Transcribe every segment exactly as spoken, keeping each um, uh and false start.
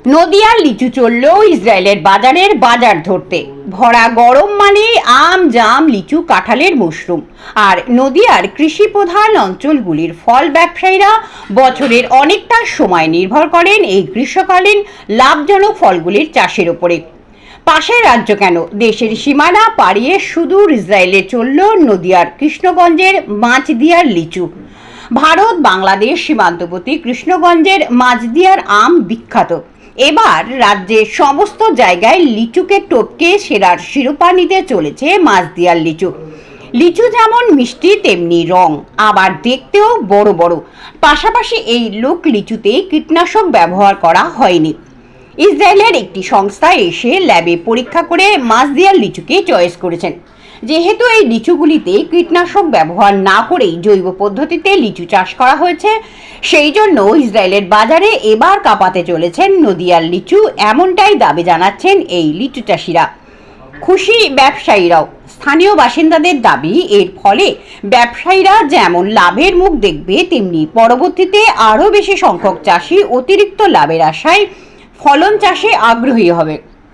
নদিয়ার লিচু চলল ইসরায়েলের বাজারের বাজার ধরতে। ভরা গরম মানে আম জাম লিচু কাঁঠালের মশরুম। আর নদিয়ার কৃষি প্রধান অঞ্চলগুলির ফল ব্যবসায়ীরা বছরের অনেকটা সময় নির্ভর করেন এই গ্রীষ্মকালীন লাভজনক ফলগুলির চাষের উপরে। পাশের রাজ্য কেন, দেশের সীমানা পাড়িয়ে সুদূর ইসরায়েলে চলল নদিয়ার কৃষ্ণগঞ্জের মাঝদিয়ার লিচু। ভারত বাংলাদেশ সীমান্তবর্তী কৃষ্ণগঞ্জের মাঝদিয়ার আম বিখ্যাত। এবার রাজ্যের সমস্ত জায়গায় লিচুকে টপকে সেরার শিরোপা নিতে চলেছে মাঝদিয়ার লিচু। লিচু যেমন মিষ্টি তেমনি রং, আবার দেখতেও বড় বড়। পাশাপাশি এই লোক লিচুতে কীটনাশক ব্যবহার করা হয়নি। ইসরায়েলের একটি সংস্থা এসে ল্যাবে পরীক্ষা করে মাঝদিয়ার লিচুকে চয়েস করেছেন। যেহেতু এই লিচুগুলিতে কীটনাশক ব্যবহার না করেই জৈব পদ্ধতিতে লিচু চাষ করা হয়েছে, সেই জন্য ইসরায়েলের বাজারে এবার কাঁপাতে চলেছেন নদিয়ার লিচু, এমনটাই দাবি জানাচ্ছেন এই লিচু চাষিরা। খুশি ব্যবসায়ীরাও। স্থানীয় বাসিন্দাদের দাবি, এর ফলে ব্যবসায়ীরা যেমন লাভের মুখ দেখবে, তেমনি পরবর্তীতে আরও বেশি সংখ্যক চাষি অতিরিক্ত লাভের আশায় ফলন চাষে আগ্রহী হবে।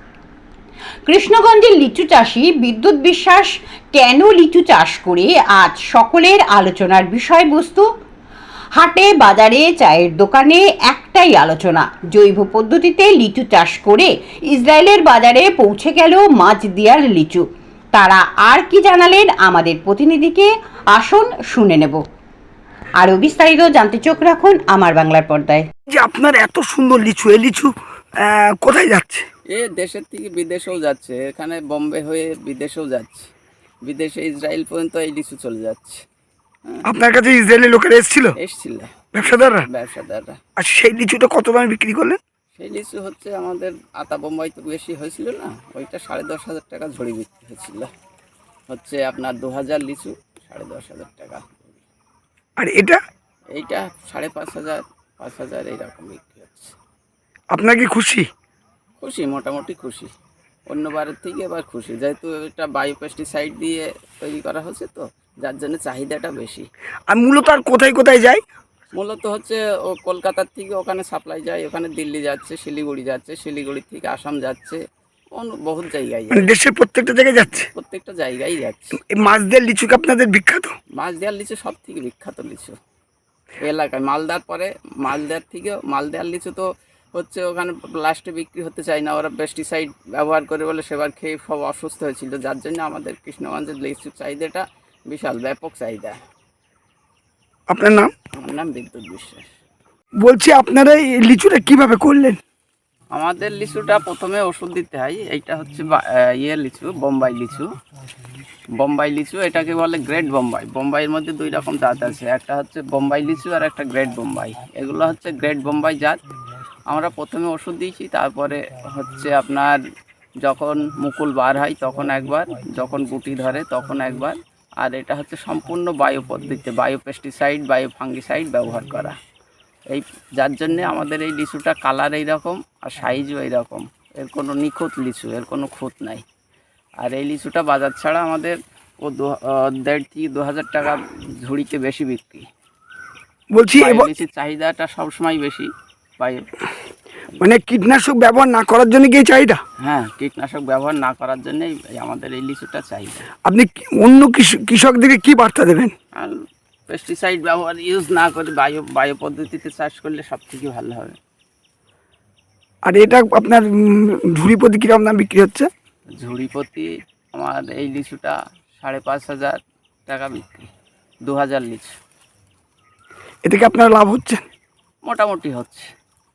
কৃষ্ণগঞ্জের লিচু চাষি বিদ্যুৎ বিশ্বাস কেন লিচু চাষ করে আজ সকলের আলোচনার বিষয়বস্তু। হাটে বাজারে চায়ের দোকানে একটাই আলোচনা, জৈব পদ্ধতিতে লিচু চাষ করে ইসরায়েলের বাজারে পৌঁছে গেল মাঝদিয়ার লিচু। তারা আর কি জানালেন আমাদের প্রতিনিধিকে আসুন শুনে নেব। আরও বিস্তারিত জানতে চোখ রাখুন আমার বাংলার পর্দায়। যে আপনার এত সুন্দর লিচু, এই লিচু কোথায় যাচ্ছে? এ দেশের থেকে বিদেশেও যাচ্ছে, এখানে বোম্বে হয়ে বিদেশেও যাচ্ছে, বিদেশে ইসরায়েল পর্যন্ত এই লিচু চলে যাচ্ছে। আপনার কাছে ইসরায়েলের লোকেরা এসেছিল? এসছিল ব্যবসাদাররা? ব্যবসাদাররা। আর সেই লিচুটা কত দামে বিক্রি করলেন? সেই লিচু হচ্ছে আমাদের আতা বোম্বাই তো বেশি হয়েছিল না, ওইটা সাড়ে দশ হাজার টাকা ঝড়ি বিক্রি হয়েছিল। হচ্ছে আপনার দু হাজার লিচু সাড়ে দশ হাজার টাকা। আর এটা? এইটা সাড়ে পাঁচ হাজার পাঁচ হাজার এইরকম বিক্রি হচ্ছে। আপনার কি খুশি? খুশি, মোটামুটি খুশি। অন্যবারের থেকে এবার খুশি, যেহেতু এটা বায়ো পেস্টিসাইড দিয়ে তৈরি করা হচ্ছে, তো যার জন্য চাহিদাটা বেশি। আর মূলত আর কোথায় কোথায় যায়? মূলত হচ্ছে ও কলকাতার থেকে ওখানে সাপ্লাই যায়, ওখানে দিল্লি যাচ্ছে, শিলিগুড়ি যাচ্ছে, শিলিগুড়ি থেকে আসাম যাচ্ছে, বহুত জায়গায় মানে দেশের প্রত্যেকটা জায়গায় যাচ্ছে? প্রত্যেকটা জায়গায় যাচ্ছে। এই মাছদের লিচু কি আপনাদের বিখ্যাত? মাছ দেওয়ার লিচু সব থেকে বিখ্যাত লিচু এলাকায়। মালদার পরে, মালদার থেকে মালদার লিচু তো হচ্ছে ওখানে লাস্টে বিক্রি হতে চায় না, ওরা পেস্টিসাইড ব্যবহার করে বলে, সেবার খেয়ে সব অসুস্থ হয়েছিল, যার জন্য আমাদের কৃষ্ণগঞ্জের লিচুর চাহিদাটা বিশাল ব্যাপক চাহিদা। আপনার নাম? আমার নাম বিদ্যুৎ বিশ্বাস। বলছি আপনারা এই লিচুটা কিভাবে করলেন? আমাদের লিচুটা প্রথমে ওষুধ দিতে হয়। এইটা হচ্ছে ইয়ে লিচু, বোম্বাই লিচু। বোম্বাই লিচু এটাকে বলে গ্রেট বোম্বাই। বোম্বাইয়ের মধ্যে দুই রকম জাত আছে, একটা হচ্ছে বোম্বাই লিচু আর একটা গ্রেট বোম্বাই। এগুলো হচ্ছে গ্রেট বোম্বাই জাত। আমরা প্রথমে ওষুধ দিয়েছি, তারপরে হচ্ছে আপনার যখন মুকুল বার হয় তখন একবার, যখন গুটি ধরে তখন একবার। আর এটা হচ্ছে সম্পূর্ণ বায়ো পদ্ধতিতে, বায়ো পেস্টিসাইড বায়ো ফাঙ্গিসাইড ব্যবহার করা। এই যার জন্যে আমাদের এই লিচুটা কালার এইরকম আর সাইজও এইরকম। এর কোনো নিখুঁত লিচু, এর কোনো খুঁত নাই। আর এই লিচুটা বাজার ছাড়া আমাদের ও দু দেড় থেকে দু হাজার টাকা ঝুড়িতে বেশি বিক্রি। বলছি লিচুর চাহিদাটা সবসময় বেশি বায়ো। মানে কীটনাশক ব্যবহার না করার জন্য কি চাহিদা? হ্যাঁ, কীটনাশক ব্যবহার না করার জন্যই আমাদের এই লিচুটা চাহিদা। আপনি অন্য কৃষকদেরকে কি বার্তা দেবেন? আর পেস্টিসাইড ব্যবহার ইউজ না করে বায়ো বায়ো পদ্ধতিতে চাষ করলে সব থেকে ভালো হবে। আর এটা আপনার ঝুড়ি প্রতি কীরকম দাম বিক্রি হচ্ছে? ঝুড়ি প্রতি আমার এই লিচুটা সাড়ে পাঁচ হাজার টাকা বিক্রি, দু হাজার লিচু। এতে কি আপনার লাভ হচ্ছে? মোটামুটি হচ্ছে।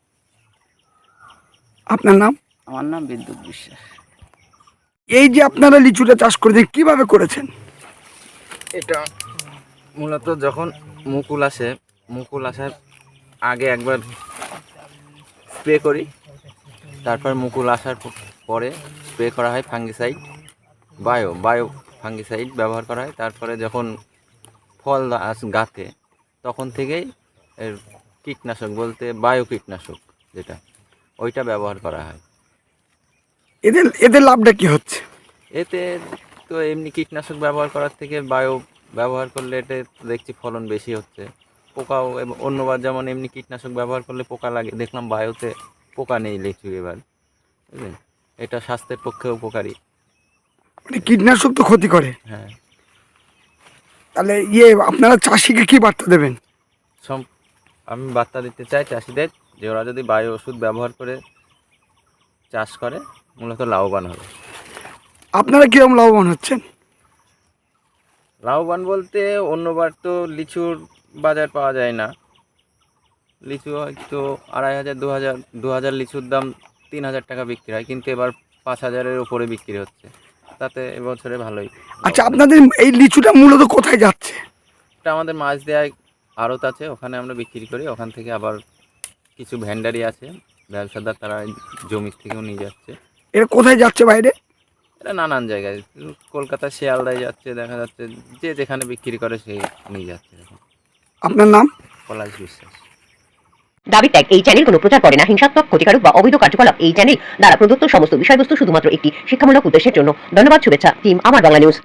আপনার নাম? আমার নাম বিদ্যুৎ বিশ্বাস। এই যে আপনারা লিচুটা চাষ করেছেন, কিভাবে করেছেন? এটা মূলত যখন মুকুল আসে, মুকুল আসার আগে একবার স্প্রে করি, তারপর মুকুল আসার পরে স্প্রে করা হয় ফাঙ্গিসাইড, বায়ো বায়ো ফাঙ্গিসাইড ব্যবহার করা হয়। তারপরে যখন ফল গাছে তখন থেকেই এর কীটনাশক বলতে বায়ো কীটনাশক যেটা, ওইটা ব্যবহার করা হয়। এদের এদের লাভটা কি হচ্ছে? এতে তো এমনি কীটনাশক ব্যবহার করার থেকে বায়ো ব্যবহার করলে এতে দেখছি ফলন বেশি হচ্ছে। পোকাও, এবং অন্যবার যেমন এমনি কীটনাশক ব্যবহার করলে পোকা লাগে, দেখলাম বায়োতে পোকা নেই লিচু এবার, বুঝলেন, এটা স্বাস্থ্যের পক্ষে উপকারী। মানে কীটনাশক তো ক্ষতি করে, হ্যাঁ, তাহলে ইয়ে আপনারা চাষিকে কি বার্তা দেবেন? সম আমি বার্তা দিতে চাই চাষিদের যে ওরা যদি বায়ু ওষুধ ব্যবহার করে চাষ করে মূলত লাভবান হবে। আপনারা কিরকম লাভবান হচ্ছেন? লাভবান বলতে অন্যবার তো লিচুর বাজার পাওয়া যায় না, লিচু হয়তো আড়াই হাজার দু হাজার দু হাজার লিচুর দাম তিন হাজার টাকা বিক্রি হয়, কিন্তু এবার পাঁচ হাজারের উপরে বিক্রি হচ্ছে, তাতে এবছরে ভালোই। আচ্ছা, আপনাদের এই লিচুটা মূলত কোথায় যাচ্ছে? এটা আমাদের মাছ দেওয়ায় আড়ত আছে, ওখানে আমরা বিক্রি করি, ওখান থেকে আবার কিছু ভ্যান্ডারি আছে ব্যবসাদার, তারা জমি থেকেও নিয়ে যাচ্ছে। এটা কোথায় যাচ্ছে বাইরে? এটা নানান জায়গায়, কলকাতা শিয়ালদায় যাচ্ছে, দেখা যাচ্ছে যে যেখানে বিক্রি করে সেই নিয়ে যাচ্ছে। আপনার নাম? পলাশ বিশ্বাস। দাবি ত্যাগ এই চ্যানেল কোনো প্রচার করে না হিংসাত্মক, ক্ষতিকারক বা অবৈধ কার্যকলাপ এই চ্যানেল দ্বারা প্রদত্ত সমস্ত বিষয়বস্তু শুধুমাত্র একটি শিক্ষামূলক উদ্দেশ্যের জন্য। ধন্যবাদ। শুভেচ্ছা টিম আমার বাংলা নিউজ।